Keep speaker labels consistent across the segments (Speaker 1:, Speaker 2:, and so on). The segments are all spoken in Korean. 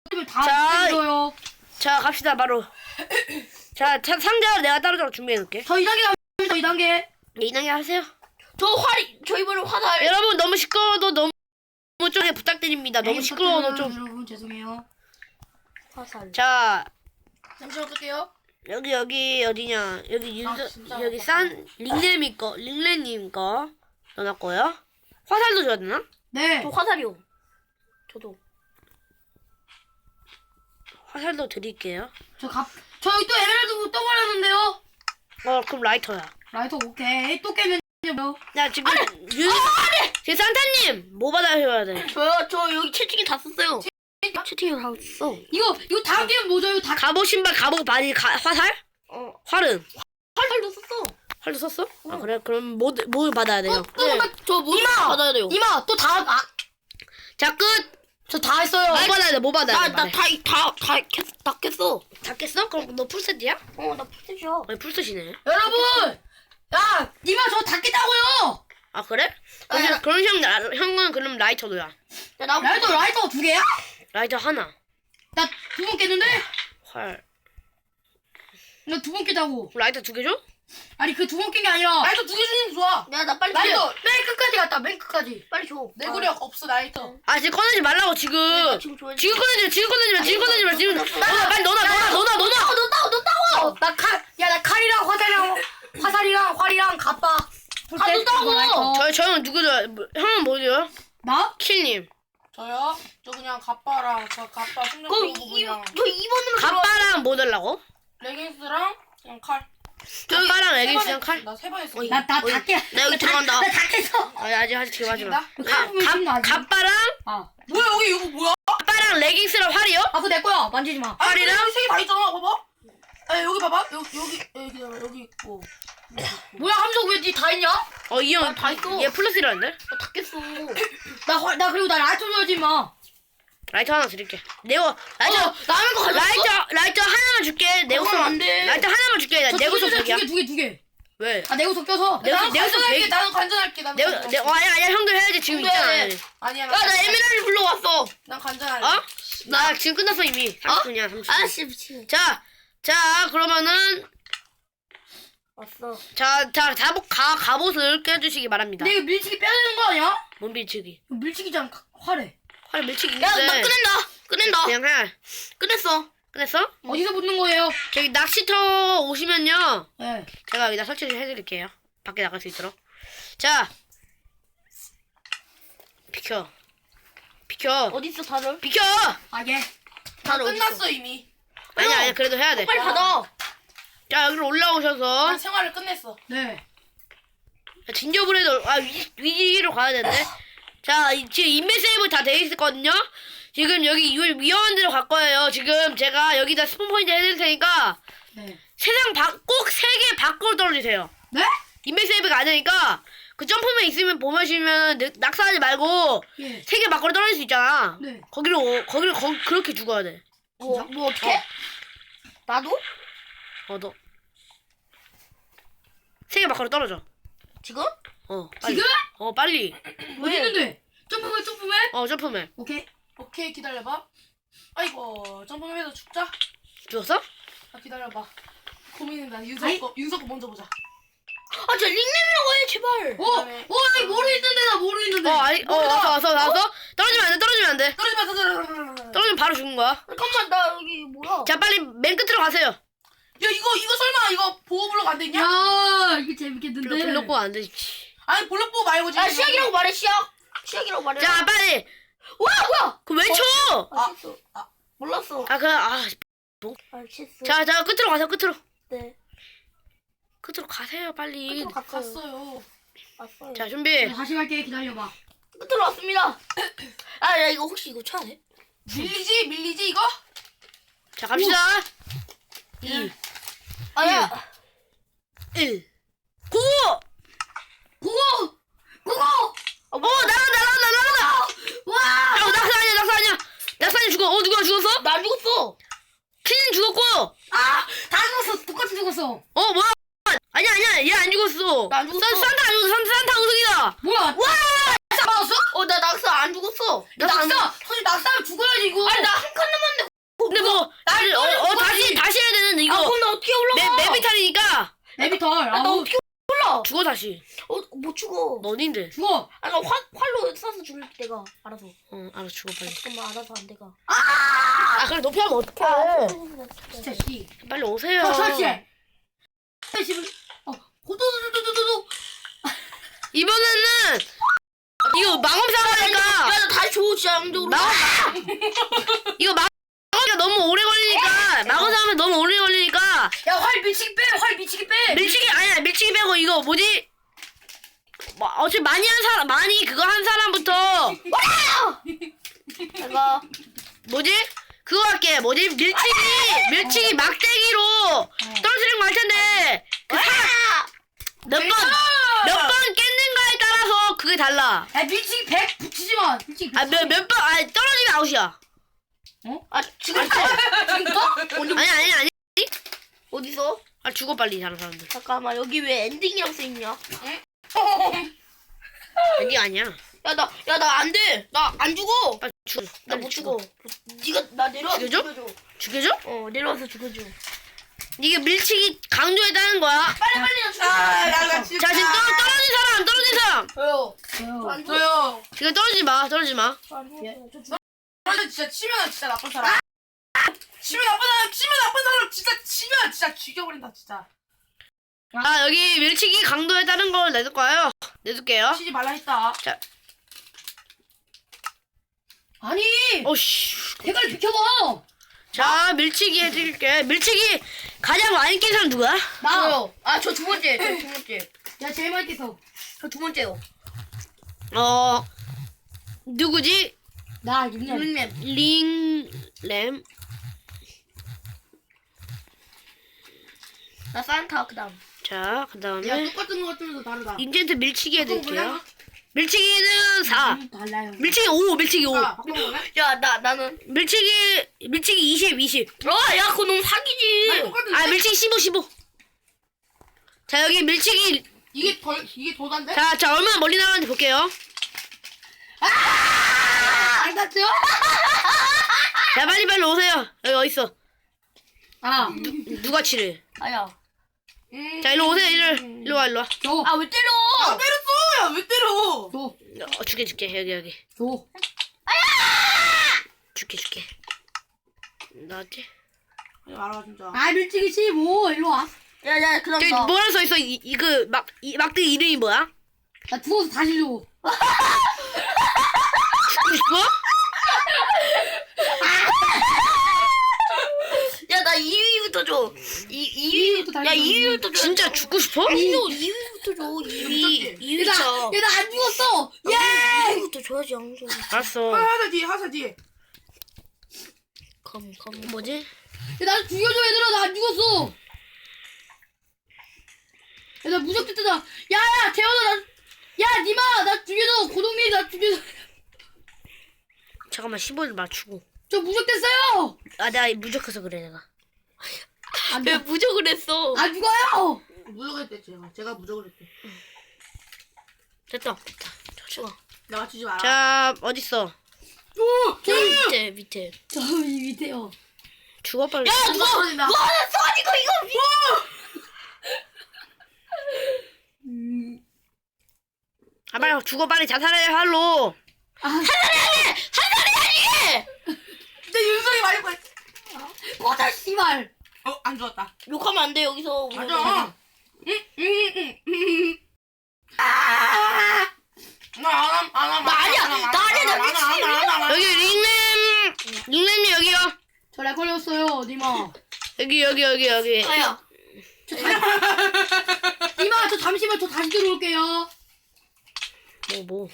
Speaker 1: 다
Speaker 2: 자,
Speaker 1: 이거요.
Speaker 2: 자, 갑시다, 바로. 자, 상자를 내가 따로따로 준비해놓을게.
Speaker 1: 저 2단계 갑니다. 2단계.
Speaker 2: 네, 2단계 하세요.
Speaker 3: 저 이번에 화살.
Speaker 2: 여러분, 너무 시끄러워도 너무 좀 부탁드립니다. 너무 시끄러워도 좀.
Speaker 1: 여러분 죄송해요.
Speaker 3: 화살.
Speaker 2: 자,
Speaker 3: 잠시만 끌게요.
Speaker 2: 여기 어디냐? 여기
Speaker 3: 진짜
Speaker 2: 여기 링레님 거 넣어놨고요. 화살도 줘야 되나?
Speaker 1: 네.
Speaker 3: 저 화살이요. 저도.
Speaker 2: 화살도 드릴게요.
Speaker 1: 저 여기 또 에메랄드 또 버렸는데요.
Speaker 2: 그럼 라이터야.
Speaker 1: 라이터 오케이. 또 깨면요.
Speaker 2: 야, 지금 지금 산타님 뭐 받아야 돼?
Speaker 3: 저 여기 채팅이 다 썼어요. 채팅이 다 썼어.
Speaker 1: 이거 다음 게임 뭐죠? 이거 다
Speaker 2: 갑옷 신발, 갑옷 바지, 화살? 활은?
Speaker 3: 화살도 썼어.
Speaker 2: 활도 썼어? 아 그래? 그럼 뭐 받아야 돼요?
Speaker 3: 저 무슨 받아야 돼요?
Speaker 1: 이마 또 다
Speaker 2: 자, 끝!
Speaker 1: 저 다 했어요.
Speaker 2: 뭐 받아야 돼? 뭐 받아야 돼? 말해.
Speaker 3: 다 깼어.
Speaker 2: 다 깼어? 그럼 너 풀셋이야?
Speaker 3: 나 풀셋이야.
Speaker 2: 아니 풀셋이네.
Speaker 1: 여러분, 야, 이마 저 다 깼다고요.
Speaker 2: 아 그래?
Speaker 3: 아,
Speaker 2: 그럼 형은 그럼 라이터도야.
Speaker 1: 라이터 2개야?
Speaker 2: 라이터 하나.
Speaker 1: 나 2번 깼는데?
Speaker 2: 활.
Speaker 1: 나 2번 깼다고.
Speaker 2: 라이터 2개 줘?
Speaker 1: 아니 그 2번 깬 게 아니라.
Speaker 4: 라이터 2개 주는 게 좋아.
Speaker 3: 나 빨리
Speaker 1: 라이터 맨 끝까지 갔다. 맨 끝까지.
Speaker 3: 빨리 줘.
Speaker 4: 내구력 없어 라이터.
Speaker 2: 아 지금 꺼내지 말라고 지금.
Speaker 3: 지금 줘야지.
Speaker 2: 지금 꺼내지 마. 지금 빨리 넣어놔.
Speaker 1: 나 칼이랑 화살이랑 활이랑 갑바.
Speaker 3: 다 넣었다고!
Speaker 2: 저 형은 누구죠? 형은 뭐죠?
Speaker 1: 나?
Speaker 2: 킬님.
Speaker 4: 저요? 저 그냥 갑바랑 저 갑바
Speaker 3: 그럼
Speaker 4: 숙련도 부분이랑
Speaker 3: 저 2번으로
Speaker 2: 갑바랑 뭐 달라고?
Speaker 4: 레깅스랑 그냥 칼.
Speaker 2: 갑바랑 레깅스랑 칼?
Speaker 4: 나 3번 했어.
Speaker 1: 나 다 깼.
Speaker 3: 나 여기 들어간다.
Speaker 1: 나다 깼어.
Speaker 2: 아직 지금 하지 마.
Speaker 1: 갑바랑.
Speaker 2: 갑바랑
Speaker 4: 뭐야 여기 이거 뭐야?
Speaker 2: 갑바랑 레깅스랑 활이요?
Speaker 1: 아 그거 내 거야. 만지지 마.
Speaker 4: 아리랑 3개 다 있잖아. 봐봐. 아 여기 봐봐. 여기 있고.
Speaker 1: 뭐야 함석 왜 니 다 했냐?
Speaker 2: 이 형
Speaker 3: 다 있어.
Speaker 2: 얘 플러스라는데?
Speaker 3: 다 깼어.
Speaker 1: 나 그리고 나 라이터 줘야지 마.
Speaker 2: 라이터 하나 드릴게. 라이터
Speaker 3: 남의 거 가져왔어?
Speaker 2: 라이터 하나만 줄게.
Speaker 3: 그건 안 돼.
Speaker 2: 라이터 하나만 줄게.
Speaker 1: 저
Speaker 2: 내구석
Speaker 1: 두
Speaker 2: 100이야.
Speaker 1: 두 개.
Speaker 2: 왜?
Speaker 1: 아 내구석 껴서.
Speaker 4: 나는
Speaker 2: 내구석
Speaker 4: 관전할게.
Speaker 2: 100.
Speaker 4: 나는 관전할게.
Speaker 2: 아니야 형도 해야지 지금
Speaker 3: 형도
Speaker 2: 있잖아.
Speaker 3: 해.
Speaker 4: 아니야.
Speaker 3: 나 에메랄드 불러왔어.
Speaker 4: 난 관전할래.
Speaker 2: 어? 나 지금 끝났어 이미. 30분이야 30분.
Speaker 3: 아씨 미친.
Speaker 2: 자 그러면은
Speaker 3: 왔어.
Speaker 2: 갑옷을 껴주시기 바랍니다.
Speaker 1: 근데 이거 밀치기 빼야 되는 거 아니야?
Speaker 2: 뭔 밀치기?
Speaker 1: 이거 밀치기잖아. 활에.
Speaker 2: 활 밀치기
Speaker 3: 야,
Speaker 2: 있는데.
Speaker 3: 나 끝낸다.
Speaker 2: 그냥 해.
Speaker 3: 끝냈어.
Speaker 2: 끝냈어?
Speaker 1: 어디서 붙는 거예요?
Speaker 2: 저기 낚시터 오시면요.
Speaker 1: 네.
Speaker 2: 제가 여기다 설치 해드릴게요. 밖에 나갈 수 있도록. 자, 비켜.
Speaker 3: 어딨어 다들?
Speaker 2: 비켜.
Speaker 1: 아 예.
Speaker 3: 다들
Speaker 4: 끝났어 이미.
Speaker 2: 아니야 그래도 해야 돼.
Speaker 3: 빨리 받아.
Speaker 2: 자 여기로 올라오셔서
Speaker 4: 난 생활을 끝냈어.
Speaker 1: 네.
Speaker 2: 진저브레드 위기로 가야 되는데. 자 지금 인벤 세이브 다 돼 있었거든요. 지금 여기 위험한 데로 갈 거예요. 지금 제가 여기다 스폰 포인트 해드릴 테니까
Speaker 1: 네.
Speaker 2: 꼭 3개 밖으로 떨어지세요.
Speaker 1: 네?
Speaker 2: 인벤 세이브가 안 되니까 그 점프맨 있으면 보시면 낙사하지 말고
Speaker 1: 예.
Speaker 2: 3개 밖으로 떨어질 수 있잖아.
Speaker 1: 네.
Speaker 2: 거기로 그렇게 죽어야 돼.
Speaker 3: 뭐 어떻게? 나도?
Speaker 2: 너 3개 밖으로 떨어져.
Speaker 3: 지금?
Speaker 2: 빨리.
Speaker 1: 지금?
Speaker 2: 빨리.
Speaker 1: 어디 있는데? 점프맨.
Speaker 2: 점프맨.
Speaker 1: 오케이.
Speaker 4: 오케이 기다려봐. 아이고 점프맨에서 죽자.
Speaker 2: 죽었어?
Speaker 4: 아 기다려봐. 고민된다.
Speaker 1: 아이.
Speaker 4: 윤석 거 먼저 보자.
Speaker 3: 저 닉네임이라고 해 제발.
Speaker 1: 나 모르겠는데 나 모르겠는데.
Speaker 2: 왔어. 떨어지면 안 돼.
Speaker 4: 떨어지 마.
Speaker 2: 떨어지면 바로 죽는 거야.
Speaker 3: 잠깐만 나 여기 뭐야?
Speaker 2: 자, 빨리 맨 끝으로 가세요.
Speaker 4: 야 이거 설마 이거 보호블록 안 되냐?
Speaker 1: 야 이게 재밌겠는데.
Speaker 2: 블록고 안 되지.
Speaker 4: 아니 블록 보호 말고 지금.
Speaker 3: 야 시작이라고 말해 시작. 시작이라고 말해.
Speaker 2: 자, 빨리.
Speaker 3: 뭐야?
Speaker 2: 그 왜 쳐?
Speaker 3: 실수. 몰랐어. 실수.
Speaker 2: 자, 끝으로 가세요. 끝으로.
Speaker 3: 네.
Speaker 2: 끝으로 가세요, 빨리.
Speaker 3: 끝으로 갔어요.
Speaker 4: 갔어요.
Speaker 3: 왔어요.
Speaker 2: 자, 준비.
Speaker 1: 다시 갈게. 기다려봐.
Speaker 3: 끝으로 왔습니다. 야 이거 혹시 이거 쳐야 돼?
Speaker 4: 밀리지 이거?
Speaker 2: 자, 갑시다. 2,
Speaker 3: 아야.
Speaker 2: 1. 고!
Speaker 1: 고고.
Speaker 2: 나간다.
Speaker 1: 와.
Speaker 2: 낙사 아니야. 낙사 죽어. 누가 죽었어?
Speaker 3: 나 안 죽었어.
Speaker 2: 퀸 죽었고.
Speaker 1: 다 죽었어. 똑같이 죽었어.
Speaker 2: 뭐야? 아니야. 얘 안 죽었어.
Speaker 3: 나안 죽었어.
Speaker 2: 산타 안 죽었어. 산타 우승이다.
Speaker 1: 뭐야? 낙사 맞았어?
Speaker 3: 나 낙사 안 죽었어.
Speaker 1: 낙사. 사실 낙사하면 죽어야지 이거.
Speaker 3: 아니 나 한 칸 남았는데
Speaker 1: 털.
Speaker 3: 나
Speaker 1: 아우,
Speaker 3: 어떻게 몰라?
Speaker 2: 죽어 다시.
Speaker 3: 못 죽어.
Speaker 2: 너 어딘데?
Speaker 1: 죽어.
Speaker 3: 아, 나 활로 쏴서 죽일게, 내가. 알아서.
Speaker 2: 알았어 죽어 빨리.
Speaker 3: 잠깐만, 알아서 안 돼가.
Speaker 2: 아 그래 높이 하면 어떡해.
Speaker 1: 진짜 씨.
Speaker 2: 빨리 오세요.
Speaker 1: 설치. 호도도도도도도.
Speaker 2: 이번에는 이거 마검사가니까
Speaker 3: 야, 나 다시 줘, 진짜, 양쪽으로.
Speaker 2: 이거 마검사가 너무 오래 걸리니까 마검사하면 너무 오래 걸리니까
Speaker 1: 야, 활 미치기 빼. 활 미치기 빼.
Speaker 2: 밀치기 아니야 밀치기 빼고 이거 뭐지? 어차피 많이 그거 한 사람부터
Speaker 3: 내가.
Speaker 2: 뭐지? 그거 할게 뭐지? 밀치기 막대기로 떨어뜨리는 거 할 텐데 몇 번 깼는가에 따라서 그게 달라.
Speaker 1: 야, 밀치기 100 붙이지 마. 밀치기 100.
Speaker 2: 몇 번 떨어지면 아웃이야.
Speaker 3: 아, 지금부터? 지금부터?
Speaker 2: 아니
Speaker 3: 어디서?
Speaker 2: 죽어 빨리 다른 사람들.
Speaker 3: 잠깐만, 여기 왜 엔딩이라고 써있냐?
Speaker 2: 아니 아니야.
Speaker 3: 야, 나 안 돼. 나 안 죽어.
Speaker 2: 빨리 죽어.
Speaker 3: 나 못 죽어. 네가 나 내려와서
Speaker 2: 죽여줘?
Speaker 3: 죽여줘.
Speaker 2: 죽여줘?
Speaker 3: 내려와서 죽여줘.
Speaker 2: 이게 밀치기 강조했다는 거야.
Speaker 3: 빨리 나 죽여.
Speaker 4: 나 진짜.
Speaker 2: 자 지금 떨어진 사람.
Speaker 3: 저요.
Speaker 1: 저요.
Speaker 4: 저요.
Speaker 2: 지금 떨어지지 마.
Speaker 4: 완전 진짜 치면 진짜 나쁜 사람. 치면 나쁜 사람 진짜 치면 진짜 죽여버린다 진짜.
Speaker 2: 아 여기 밀치기 강도에 따른 걸 내둘 거예요. 내둘게요.
Speaker 4: 치지 말라 했다.
Speaker 1: 아니,
Speaker 2: 오씨.
Speaker 1: 대가리 비켜봐.
Speaker 2: 자 밀치기 해드릴게. 밀치기 가장 많이 깬 사람 누구야?
Speaker 1: 나.
Speaker 3: 저요. 아, 저 두 번째. 저 두 번째.
Speaker 1: 야, 제일 많이 깼어.
Speaker 3: 저 두 번째요.
Speaker 2: 누구지?
Speaker 1: 나 윤년.
Speaker 2: 링램.
Speaker 3: 나 산타 그다음.
Speaker 2: 자
Speaker 1: 야,
Speaker 2: 그다음에
Speaker 1: 똑같은 거 같으면서 다르다.
Speaker 2: 인젠트 밀치기 해드릴게요. 밀치기는 4.
Speaker 1: 달라요.
Speaker 2: 밀치기 5. 밀치기 5.
Speaker 4: 바꿔볼래?
Speaker 3: 야, 나는.
Speaker 2: 밀치기 20.
Speaker 3: 야, 그거 너무 사기지.
Speaker 2: 아 밀치기 15. 자 여기 밀치기.
Speaker 4: 이게 도단데?
Speaker 2: 자 얼마나 멀리 나가는지 볼게요.
Speaker 1: 안 닿죠?
Speaker 2: 자 빨리 오세요. 여기 어딨어?
Speaker 1: 아,
Speaker 2: 누가 치래?
Speaker 3: 아야.
Speaker 2: 자 일로 오세요. 일로 와.
Speaker 1: 줘.
Speaker 3: 아, 왜 때려?
Speaker 4: 때렸어! 야, 왜 때려?
Speaker 1: 줘.
Speaker 2: 줄게 여기.
Speaker 1: 줘.
Speaker 2: 줄게. 나왔지?
Speaker 4: 말아 진짜.
Speaker 1: 아, 밀치기 15. 일로 와.
Speaker 3: 야, 그다음
Speaker 2: 저기
Speaker 3: 너.
Speaker 2: 뭐라 써있어? 그 막대기 이름이 뭐야?
Speaker 1: 나 죽어서 다시 줘.
Speaker 2: 죽고 싶어?
Speaker 3: 야, 나 2위부터 줘. 2위부터. 야, 2위부터 줘.
Speaker 2: 진짜 죽고 싶어?
Speaker 3: 2위부터 줘. 2위.
Speaker 1: 야,
Speaker 3: 2위차.
Speaker 1: 나 안 죽었어. 예!
Speaker 3: 2위부터 줘야지, 양조.
Speaker 2: 알았어.
Speaker 4: 하사 뒤에.
Speaker 3: 컴.
Speaker 2: 뭐지?
Speaker 1: 야, 나 죽여줘, 얘들아. 나 안 죽었어. 야, 나 무적됐다. 야, 재현아, 야, 니마, 나 죽여줘. 고동민이 나 죽여줘.
Speaker 2: 잠깐만 15를 맞추고.
Speaker 1: 저 무적됐어요.
Speaker 2: 내가 무적해서 그래 내가.
Speaker 1: 안
Speaker 3: 왜
Speaker 1: 죽어.
Speaker 3: 무적을 했어?
Speaker 1: 안 죽어요.
Speaker 4: 무적을 했대 제가 무적을 했대.
Speaker 2: 됐다.
Speaker 3: 좋아.
Speaker 4: 내가 치지 마라.
Speaker 2: 자 어딨어?
Speaker 3: 저 밑에.
Speaker 1: 저이 밑에요.
Speaker 2: 죽어 빨리.
Speaker 3: 야, 누가
Speaker 4: 떨어진다.
Speaker 3: 쏘아지고 이거.
Speaker 2: 빨리 죽어 빨리 자살해 할로.
Speaker 4: 근데 윤성이 많이 걸.
Speaker 1: 꺼져, 씨발.
Speaker 4: 안 좋았다.
Speaker 3: 욕하면 안 돼, 여기서.
Speaker 4: 맞아. 나
Speaker 3: 아니야. 나 아니야.
Speaker 2: 여기 링램이 여기요.
Speaker 1: 저 렉 걸렸어요, 니마.
Speaker 2: 여기.
Speaker 3: 아야.
Speaker 1: 니마, 저 잠시만 저 다시 들어올게요.
Speaker 2: 뭐.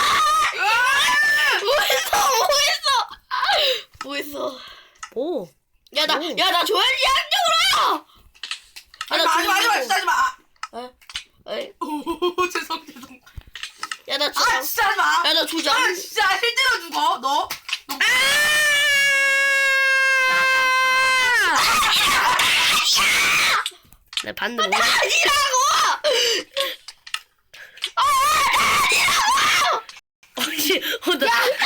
Speaker 3: 뭐했어?
Speaker 2: 뭐?
Speaker 3: 야, 나 줘야지, 양쪽으로요!
Speaker 4: 하지마 진짜 하지마.
Speaker 3: 에이?
Speaker 4: 죄송.
Speaker 3: 야, 나
Speaker 4: 아
Speaker 3: 주자.
Speaker 4: 진짜 하지마.
Speaker 3: 야, 나 주자.
Speaker 4: 아 진짜 실제로 죽어 너.
Speaker 2: 내 반대.
Speaker 3: 아니라고!
Speaker 2: 혹시 나.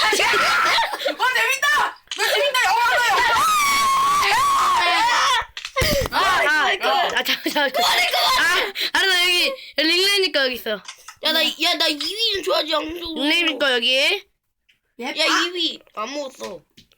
Speaker 4: 재밌다. 너 재밌다 영화 하나요.
Speaker 2: 잠깐. 여기 있어.
Speaker 3: 야, 나 2위 좀 줘야지, 양쪽으로.
Speaker 2: 닉네임 거 여기.
Speaker 3: 야, 2위. 안 먹었어.